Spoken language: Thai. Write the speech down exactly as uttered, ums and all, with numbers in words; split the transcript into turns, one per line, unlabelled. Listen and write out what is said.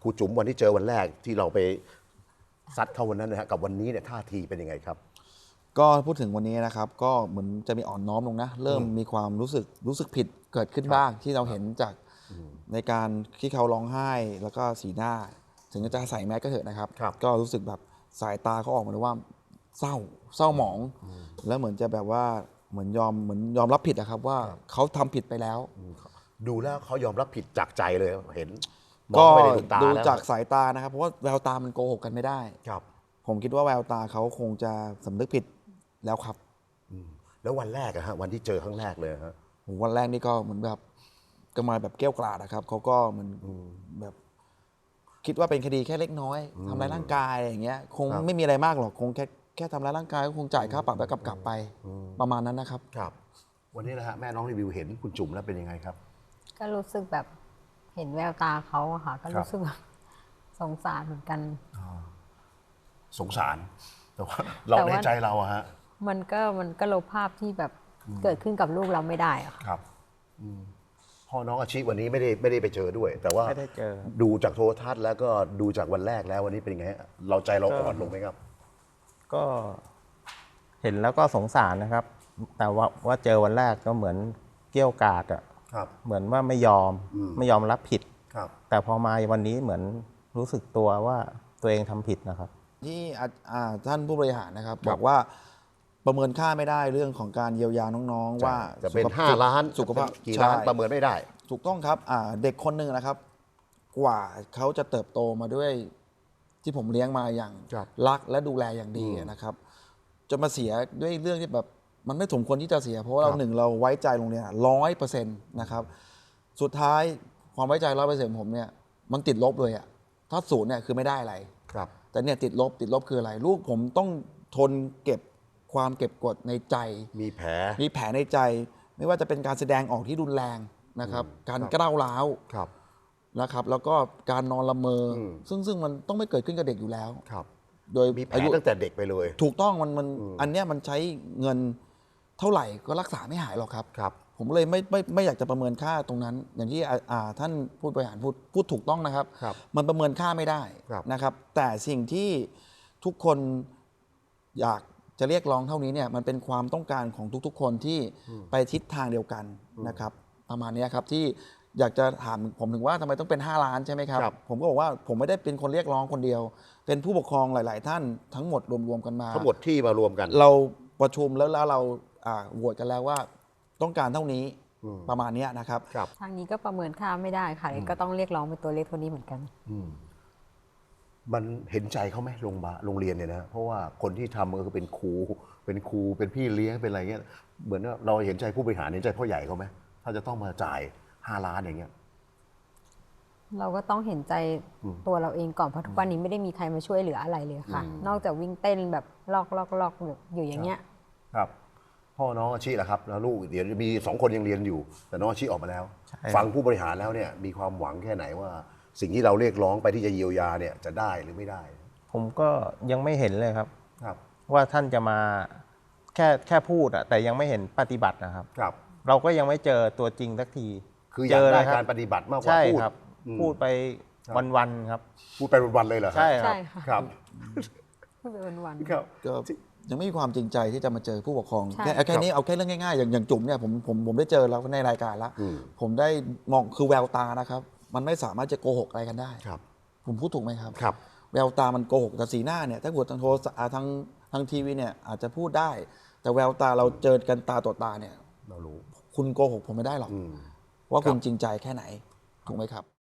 รูจุ๋มวันที่เจอวันแรกที่เราไปซัดเข้าวันนั้นนะฮะกับวันนี้เนี่ยท่าทีเป็นยังไงครับ
ก็พูดถึงวันนี้นะครับก็เหมือนจะมีอ่อนน้อมลงนะเริ่มมีความรู้สึกรู้สึกผิดเกิดขึ้นบ้างที่เราเห็นจากในการที่เขาร้องไห้แล้วก็สีหน้าถึงจะใส่แมสก็เถอะนะครับก็รู้สึกแบบสายตาเขาออกมาเลยว่าเศร้าเศร้าหมองแล้วเหมือนจะแบบว่าเหมือนยอมเหมือนยอมรับผิดนะครับว่าเขาทำผิดไปแล้ว
ดูแล้วเขายอมรับผิดจากใจเลยเห็น
ก็ดูจากสายตานะครับเพราะว่าแววตามันโกหกกันไม่ได้
ครับ
ผมคิดว่าแววตาเขาคงจะสำนึกผิดแล้วครับ
แล้ววันแรกอะฮะวันที่เจอครั้งแรกเลยฮะ
วันแรกนี่ก็เหมือนแบบก็มาแบบเกี้ยวกราดนะครับเขาก็เหมือนแบบคิดว่าเป็นคดีแค่เล็กน้อยทำร้ายร่างกายอย่างเงี้ยคงไม่มีอะไรมากหรอกคงแค่แค่ทำร้ายร่างกายก็คงจ่ายค่าปรับแล้วกลับกลับไปประมาณนั้นนะครับ
ครับวันนี้นะฮะแม่น้องรีวิวเห็นคุณจุ๋มแล้วเป็นยังไงครับ
ก็รู้สึกแบบเห็นแววตาเขาอะค่ะก็รู้สึกแบบสงสารเหมือนกัน
สงสารแต่ว่าเราในใจเราอะฮะ
มันก็มันก็ลบภาพที่แบบเกิดขึ้นกับลูกเราไม่ได้อะค่ะ
ครับพ่อน้องอาชีพวันนี้ไม่ได้ไม่ได้ไปเจอด้วย แต่ว่า
ไม่ได้เจอ
ดูจากโทรทัศน์แล้วก็ดูจากวันแรกแล้ววันนี้เป็นไงเราใจเราอ่อนลงไหมครับ
ก็เห็นแล้วก็สงสารนะครับ แต่ว่าว่าเจอวันแรกก็เหมือนเกี้ยวกาดอ่ะเหมือนว่าไม่ยอมไม่ยอมรับผิดแต่พอมาวันนี้เหมือนรู้สึกตัวว่าตัวเองทำผิดนะครับ
ที่ท่านผู้บริหารนะครับบอกว่าประเมินค่าไม่ได้เรื่องของการเยียวยาน้องๆว่า
จะเป็นห้าล้าน
สุขภาพ
กี่ล้านประเมินไม่ได้
ถูกต้องครับเด็กคนหนึ่งนะครับกว่าเขาจะเติบโตมาด้วยที่ผมเลี้ยงมาอย่างรักและดูแลอย่างดีนะครับจะมาเสียด้วยเรื่องที่แบบมันไม่สมควรที่จะเสียเพราะว่าเราหนึ่งเราไว้ใจโรงเรียนร้อยเปอร์เซ็นต์นะครับสุดท้ายความไว้ใจร้อยเปอร์เซ็นต์ผมเนี่ยมันติดลบเลยอะถ้าศูนย์เนี่ยคือไม่ได้อะไรแต่เนี่ยติดลบติดลบคืออะไรลูกผมต้องทนเก็บความเก็บกดในใจ
มีแผล
มีแผลในใจไม่ว่าจะเป็นการแสดงออกที่รุนแรงนะครับการกล้าวร้าวนะครับแล้วก็การนอนละเมอซึ่งซึ่งมันต้องไม่เกิดขึ้นกับเด็กอยู่แล้ว
โดยมีอายุตั้งแต่เด็กไปเลย
ถูกต้องมันมันอันเนี้ยมันใช้เงินเท่าไหร่ก็รักษาไม่หายหรอกครับ
ครับ
ผมเลยไม่ไม่ไม่อยากจะประเมินค่าตรงนั้น อย่างที่ท่านผู้บริหารพูดพูดถูกต้องนะครับมันประเมินค่าไม่ได้นะครับแต่สิ่งที่ทุกคนอยากจะเรียกร้องเท่านี้เนี่ยมันเป็นความต้องการของทุกๆคนที่ไปทิศทางเดียวกันนะครับประมาณนี้ครับที่อยากจะถามผมถึงว่าทำไมต้องเป็นห้าล้านใช่ไหมครับผมก็บอกว่าผมไม่ได้เป็นคนเรียกร้องคนเดียวเป็นผู้ปกครองหลายๆท่านทั้งหมดรวมๆกันมา
ทั้งหมดที่มารวมกัน
เราประชุมแล้วแล้วเราโหวตกันแล้วว่าต้องการเท่านี้ประมาณนี้นะครับ
ทางนี้ก็ประเมินค่าไม่ได้ค่ะก็ต้องเรียกร้องเป็นตัวเลขเท่านี้เหมือนกัน
มันเห็นใจเขาไหมโรงพยาบาลโรงเรียนเนี่ยนะเพราะว่าคนที่ทำก็คือเป็นครูเป็นครูเป็นพี่เลี้ยงเป็นอะไรเงี้ยเหมือนว่าเราเห็นใจผู้บริหารเห็นใจพ่อใหญ่เขาไหมถ้าจะต้องมาจ่ายห้าล้านอย่างเงี้ย
เราก็ต้องเห็นใจตัวเราเองก่อนเพราะทุกวันนี้ไม่ได้มีใครมาช่วยเหลืออะไรเลยค่ะนอกจากวิ่งเต้นแบบลอกลอกลอกอยู่อย่างเงี้ย
ครับพ่อน้องอาชีแหละครับแล้วลูกเดี๋ยวมีสองคนยังเรียนอยู่แต่น้องอาชีออกมาแล้วฟังผู้บริหารแล้วเนี่ยมีความหวังแค่ไหนว่าสิ่งที่เราเรียกร้องไปที่จะเยียวยาเนี่ยจะได้หรือไม่ได้
ผมก็ยังไม่เห็นเลยครับครับว่าท่านจะมาแค่แค่พูดอะแต่ยังไม่เห็นปฏิบัตินะครับ
ครับ
เราก็ยังไม่เจอตัวจริงสักที
คืออยากได้การปฏิบัติมากกว่าพูด
ครับพูดไปวันๆครับ
พูดไปวันๆเลยเหรอ
ใช่ครับ
ครับ
พูดไปวัน
ๆครับ
ยังไม่มีความจริงใจที่จะมาเจอผู้ปกครองแค่แค่นี้เอาแค่เรื่องง่ายๆอย่างอย่างจุ๋มเนี่ยผมผมผมได้เจอแล้วในรายการแล้วผมได้มองคือแววตานะครับมันไม่สามารถจะโกหกอะไรกันได้
ครับ
ผมพูดถูกไหมครับ
ครับ
แววตามันโกหกแต่สีหน้าเนี่ยถ้าเกิดทางโทรทางทางทีวีเนี่ยอาจจะพูดได้แต่แววตาเราเจอกันตาต่อตาเนี่ย
เรารู้
คุณโกหกผมไม่ได้หรอกว่าคุณจริงใจแค่ไหนถูกไหมครับ